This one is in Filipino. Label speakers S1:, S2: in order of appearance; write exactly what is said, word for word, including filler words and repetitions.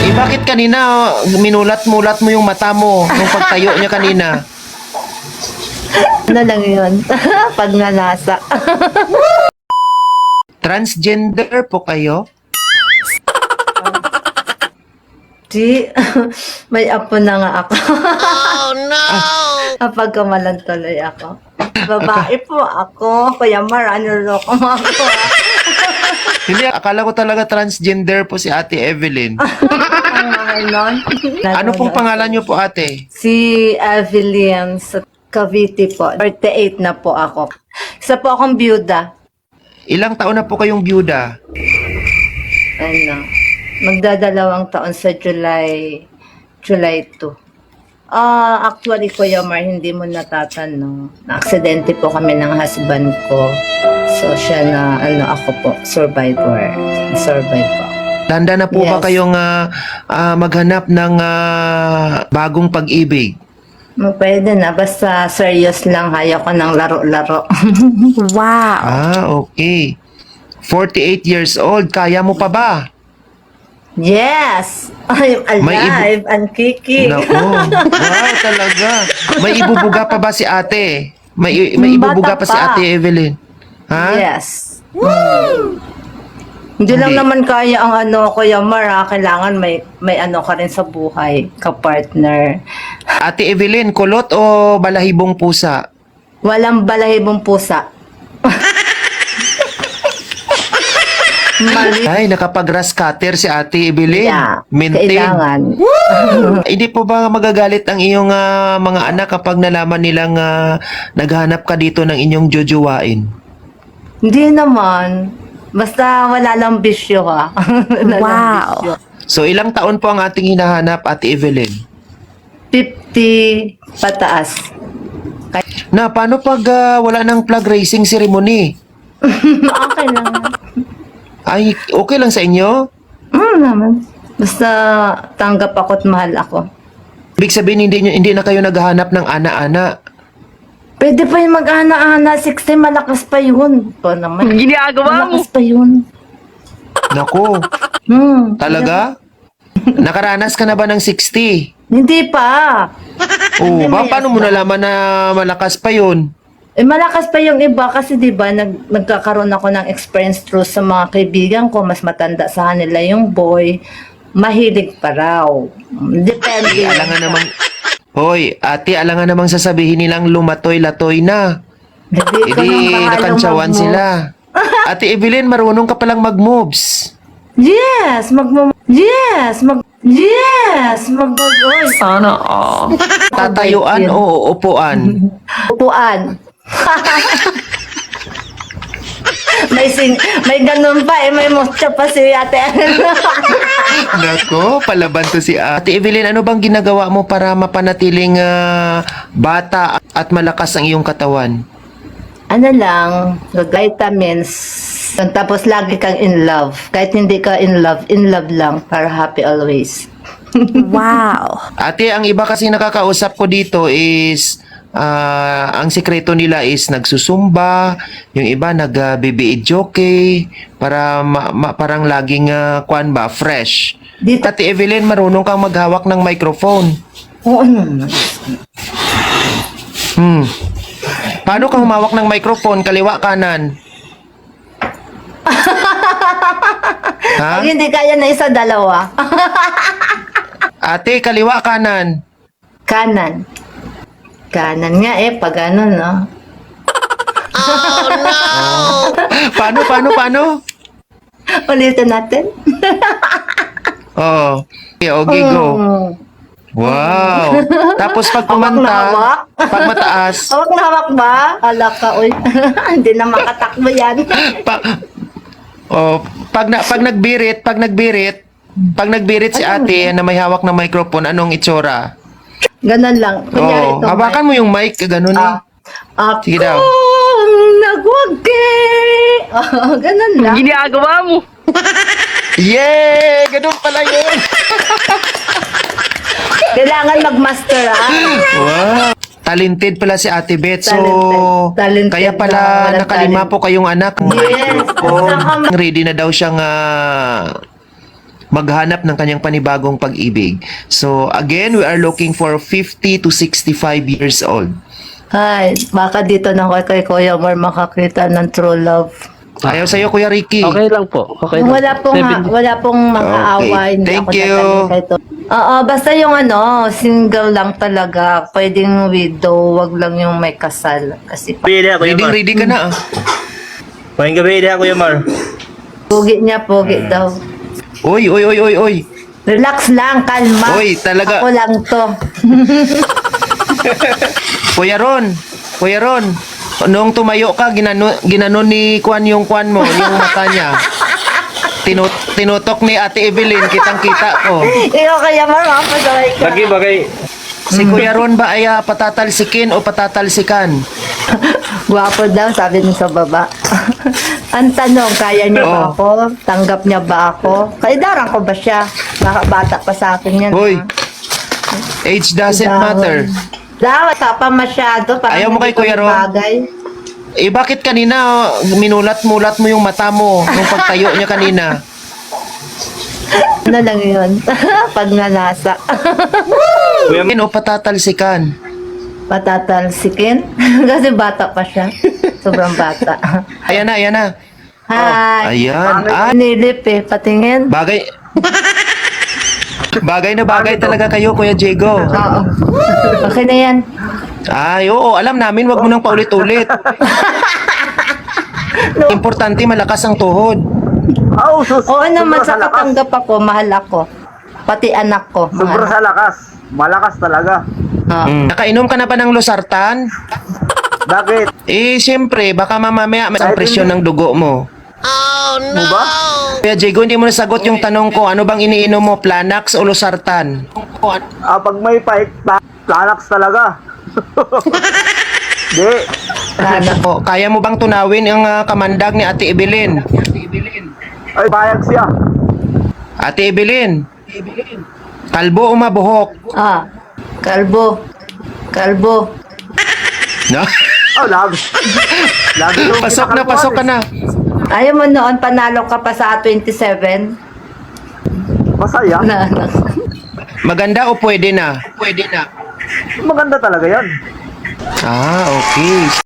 S1: Eh, bakit kanina minulat-mulat mo yung mata mo nung pagtayo niya kanina?
S2: Ano lang yun? Pag nalasa.
S1: Transgender po kayo?
S2: Di, may apo na nga ako.
S3: Oh no!
S2: Kapag kamalan tuloy ako. Babae po ako. Kuya Mar, ano loko mo ako.
S1: Hindi, akala ko talaga transgender po si Ate Evelyn.
S2: Ano
S1: Ano pong pangalan niyo po, ate?
S2: Si Evelyn sa Cavite po. thirty-eight na po ako. Isa po akong byuda.
S1: Ilang taon na po kayong byuda?
S2: Ano, magdadalawang taon sa July, July two. Ah, actually, Kuya Mar, hindi mo natatanong. Na-aksidente po kami ng husband ko. So, siya na, ano, ako po, survivor. Survive po.
S1: Tanda na po ba
S2: Yes.
S1: kayong ah, ah, maghanap ng ah, bagong pag-ibig?
S2: Mm, Pwede na, basta serious lang, ayaw ko ng laro-laro.
S3: Wow!
S1: Ah, okay. forty-eight years old, kaya mo pa ba?
S2: Yes! I'm
S1: May ibu-
S2: alive and kicking.
S1: Nako, wow talaga. May ibubuga pa ba si ate? May, may
S2: Bata
S1: ibubuga pa si
S2: pa.
S1: Ate Evelyn? Ha?
S2: Yes. Mm. Hindi lang
S1: Hindi.
S2: naman kaya ang ano, Kuya Mar, ha? Kailangan may, may ano ka rin sa buhay, ka-partner.
S1: Ate Evelyn, kulot o balahibong pusa?
S2: Walang balahibong pusa. Mali.
S1: Ay, nakapag-grass cutter si Ate Evelyn.
S2: Yeah,
S1: Maintain.
S2: kailangan.
S1: Hindi po ba magagalit ang iyong ah, mga anak kapag nalaman nilang ah, naghanap ka dito ng inyong jojowain?
S2: Hindi naman. Basta wala lang bisyo, ha? Wala lang
S3: Wow.
S2: bisyo.
S1: So, ilang taon po ang ating hinahanap, Ate Evelyn?
S2: fifty pataas.
S1: Na, paano pag ah, wala ng flag raising ceremony?
S2: Okay lang.
S1: Ay, okay lang sa inyo?
S2: Mm, naman. Basta tanggap ako't mahal ako.
S1: Ibig sabihin, hindi, nyo- hindi na kayo naghahanap ng ana-ana.
S2: Pwede pa yung mag-ana-ana. sixty, malakas pa yun. Ito naman.
S3: Ginagawa mo!
S2: Malakas pa yun.
S1: Nako,
S2: Hmm.
S1: talaga? Nakaranas ka na ba ng sixty?
S2: Hindi pa.
S1: Oo, ba,
S2: may
S1: paano mo
S2: asma.
S1: nalaman na malakas pa yun?
S2: Eh, malakas pa yung iba kasi di ba nag, nagkakaroon ako ng experience through sa mga kaibigan ko. Mas matanda sa kanila yung boy. Mahilig pa raw. Depende.
S1: Eh, alangan namang... Hoy, ate, alangan namang sasabihin nilang lumatoy-latoy na.
S2: Hindi ko
S1: Hindi,
S2: nang bahalang
S1: nakantsawan
S2: mag-move.
S1: sila. Ate Evelyn, marunong ka palang mag-moves.
S2: Yes, mag Yes, mag Yes, mag Oy,
S3: Sana all.
S1: Tatayuan o upuan?
S2: upuan. may sing may ganun pa eh, may motcha pa si Ate.
S1: Nako, palaban to si Ate Evelyn. Ano bang ginagawa mo para mapanatiling ah, bata at malakas ang iyong katawan?
S2: Ano lang, vitamins. Tapos lagi kang in love. Kahit hindi ka in love, in love lang para happy always.
S3: Wow!
S1: Ate, ang iba kasi nakakausap ko dito is ah, ang sikreto nila is nagsusumba, yung iba nag-B B E jockey para ma- ma- parang laging ah, kwan ba, fresh.
S2: Dito,
S1: Ate Evelyn, marunong kang maghawak ng microphone.
S2: oo naman.
S1: Hmm. Paano ka humawak ng microphone? Kaliwa, kanan? Ha?
S2: Pag hindi kaya na isa, dalawa.
S1: Ate, kaliwa, kanan?
S2: Kanan. Kanan nga eh, pag ano, no?
S1: Paano, paano, paano?
S2: Ulitin natin.
S1: Oo. Okay, okay, go.
S2: Hmm.
S1: Wow. Tapos pag
S2: Hawak na
S1: kumanta,
S2: hawak.
S1: pag mataas,
S2: Hawak na hawak ba? Ala ka, uy. Hindi na makatakbo yan.
S1: pa, oh, pag, na, pag nagbirit, pag nagbirit, pag nagbirit si ate na may hawak na microphone, anong itsura?
S2: Ganon lang. Kunyari
S1: Oo,
S2: ito.
S1: hawakan mo yung mic, ganun eh.
S2: Ako
S1: Sige daw.
S2: nagwagi. Oh, ganon lang.
S3: Ginagawa mo!
S1: Yay! Ganun pala yun!
S2: Kailangan mag-master, ha?
S1: Wow! Talented pala si Ate Beth. So,
S2: Talented. Talented
S1: kaya
S2: na,
S1: pala
S2: walang
S1: nakalima
S2: talent.
S1: po kayong anak.
S2: Yes.
S1: Microphone. Ready na daw siyang ah, maghanap ng kanyang panibagong pag-ibig. So again, we are looking for fifty to sixty-five years old.
S2: Ay, baka dito na kay, kay Kuya Mar makakita ng true love.
S1: Ayaw sa'yo, Kuya Ricky.
S4: Okay lang po. Okay lang.
S2: Wala pong, ha,
S4: Seven-
S2: wala pong mga
S1: Okay,
S2: away. Hindi
S1: thank
S2: ako
S1: you.
S2: tatanong kay to. Oo, basta yung ano, single lang talaga. Pwedeng widow, wag lang yung may kasal. Kasi pa-
S5: Gabi ako, Kuya
S1: Ready,
S5: Mar.
S1: ready ka na ah.
S5: Pahing gabi ako, Kuya Mar.
S2: pogi niya, pogi daw.
S1: Uy, uy, uy, uy, uy.
S2: Relax lang, kalma.
S1: Uy, talaga.
S2: Ako lang to.
S1: Kuya Ron, Kuya Ron, noong tumayo ka, ginano, ginano ni Kwan yung Kwan mo, yung mata niya. Tinut tinutok ni Ate Evelyn, kitang-kita ko.
S2: Ikaw kaya marapasaway ka.
S5: Lagi bagay.
S1: Si Kuya Ron ba ay ah, patatalsikin o patatalsikan?
S2: Gwapo daw, sabi niya sa baba. Ang tanong, kaya niya ba
S1: Oo.
S2: ako? Tanggap niya ba ako? Kaidaran ko ba siya? Baka bata pa sa akin yan.
S1: Hoy,
S2: ha?
S1: age doesn't
S2: Dahon.
S1: matter.
S2: Daw, tapa masyado. Parang
S1: Ayaw mo kay
S2: hindi ko
S1: Kuya Ron?
S2: bagay.
S1: Eh bakit kanina oh, minulat-mulat mo yung mata mo nung pagtayo niya kanina?
S2: Ano lang yun? Pag nanasa.
S5: Kuya Mar.
S1: O patatalsikan?
S2: Patatalsikin? Kasi bata pa siya. Sobrang bata.
S1: Ayan na, ayan na.
S2: Hi.
S1: Ayan. Ah,
S2: Nilip eh. Patingin.
S1: bagay. Bagay na bagay talaga kayo, Kuya Diego.
S2: Oo. Okay na yan.
S1: Ay, oo, alam namin, wag mo nang paulit-ulit. Importante, malakas ang tuhod.
S6: Oh, sus.
S2: Oo naman,
S6: sobra
S2: sa
S6: sa lakas.
S2: katanggap ako, mahal ako. Pati anak ko.
S6: Sobra
S2: Mahal.
S6: sa lakas. Malakas talaga.
S2: Oo.
S1: Mm. Nakainom ka na ba ng losartan?
S6: Bakit?
S1: Eh, siyempre, baka mamamaya may isang presyon ng dugo mo.
S6: Mo ba?
S1: Kuya Diego, hindi mo nasagot yung tanong ko, ano bang iniinom mo, Planax o losartan?
S6: Ah, pag may fight, pla- planax talaga. Di.
S2: Ano?
S1: O, kaya mo bang tunawin ang ah, kamandag ni Ate Evelyn?
S6: Ay, bayag siya.
S1: Ate Evelyn, kalbo o mabuhok?
S2: Ah, kalbo. Kalbo.
S1: No?
S6: Oh, lagi. Lagi yung
S1: Pasok na,
S6: kinakalkuhan
S1: pasok ka
S6: eh.
S1: na.
S2: Ayaw mo noon, panalo ka pa sa twenty-seven?
S6: Masaya.
S2: Na, na.
S1: Maganda o pwede na? Pwede na.
S6: Maganda talaga yan.
S1: Ah, okay.